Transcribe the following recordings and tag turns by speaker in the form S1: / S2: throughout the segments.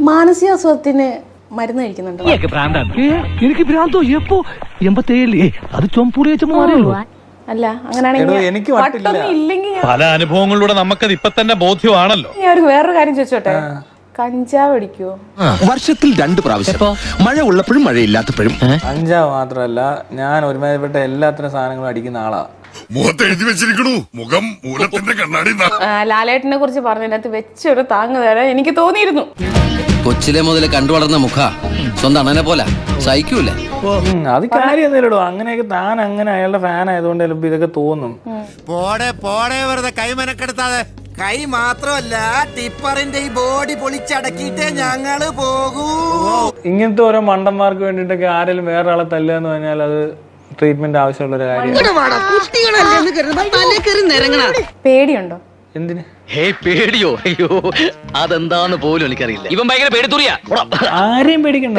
S1: മാനസികാസ്വാദത്തിന് മരുന്ന് കഴിക്കുന്നുണ്ടോ?
S2: എനിക്ക് ഭ്രാന്തോ എപ്പോ 87 അത് ചൊമ്പൂടി വെച്ച മാറിയല്ലോ.
S1: അല്ല അങ്ങനെയാണെങ്കിൽ
S3: എനിക്ക്
S1: ഇല്ലെങ്കിൽ
S4: പല അനുഭവങ്ങളിലൂടെ നമുക്കത് ഇപ്പൊ തന്നെ ബോധ്യമാണല്ലോ.
S1: ഞാൻ വേറൊരു കാര്യം ചോദിച്ചോട്ടെ, കഞ്ചാവ് അടിക്കുവോ?
S5: വർഷത്തിൽ 2 പ്രാവശ്യം, മഴ ഉള്ളപ്പോഴും മഴയില്ലാത്തപ്പോഴും.
S3: കഞ്ചാവ് മാത്രമല്ല, ഞാൻ ഒരുമാതിരിപ്പെട്ട എല്ലാത്തരം സാധനങ്ങളും അടിക്കുന്ന ആളാ.
S6: മുഖത്തെഴുതി വെച്ചിരിക്കണു മുഖം മൂലത്തിന്റെ കണ്ണാടി.
S1: ലാലേട്ടനെ കുറിച്ച് പറഞ്ഞതിനകത്ത് വെച്ചൊരു താങ്ങ് തരാൻ എനിക്ക് തോന്നിയിരുന്നു.
S7: കൊച്ചിലെ മുതൽ കണ്ടു വളർന്ന മുഖ സ്വന്തം അണ്ണനെ പോലെ സഹിക്കൂലേ?
S3: അത് കാര്യമൊന്നുമില്ലടോ. അങ്ങനെയൊക്കെ താൻ അങ്ങനെ അയാളുടെ ഫാൻ ആയതുകൊണ്ട് ചിലപ്പോ ഇതൊക്കെ തോന്നും.
S8: പോടെ വെറുതെ കൈ മെനക്കെടുത്താതെ. കൈ മാത്രമല്ല, ടിപ്പറിന്റെ ഈ ബോഡി പൊളിച്ചടക്കിയിട്ടേ ഞങ്ങള് പോകൂ.
S3: ഇങ്ങനത്തെ ഓരോ മണ്ടന്മാർക്ക് വേണ്ടിട്ടൊക്കെ ആരെങ്കിലും വേറെ ആളെ തല്ലുക എന്ന് പറഞ്ഞാൽ അത് ട്രീറ്റ്മെന്റ് ആവശ്യമുള്ള ഒരു കാര്യമാണ്.
S1: പേടിയുണ്ടോ?
S3: എന്തിന്
S2: പേടിയോ? അയ്യോ അതെന്താന്ന് പോലും എനിക്കറിയില്ല. ഇവൻ ഭയങ്കര പേടിത്തൂറിയാ.
S3: ആരെയും പേടിക്കണ്ട.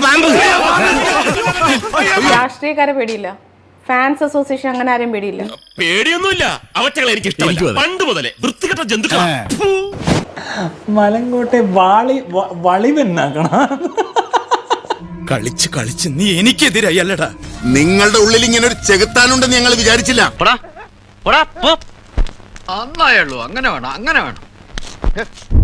S1: രാഷ്ട്രീയക്കാരെ പേടിയില്ല, ഫാൻസ് അസോസിയേഷൻ അങ്ങനെ ആരെയും പേടിയില്ല.
S6: പേടിയൊന്നുമില്ല, അവറ്റകളെ എനിക്ക് ഇഷ്ടമല്ല. പണ്ട് മുതലേ വൃത്തികെട്ട ജന്തുക്കളാ.
S3: മലങ്കോട്ടെ വളിവെന്നാക്കണ.
S6: കളിച്ച് കളിച്ച് നീ എനിക്കെതിരായി അല്ലടാ.
S5: നിങ്ങളുടെ ഉള്ളിൽ ഇങ്ങനെ ഒരു ചെകുത്താനുണ്ടെന്ന് ഞങ്ങൾ വിചാരിച്ചില്ല.
S7: നന്നായുള്ളൂ. അങ്ങനെ വേണം, അങ്ങനെ വേണം.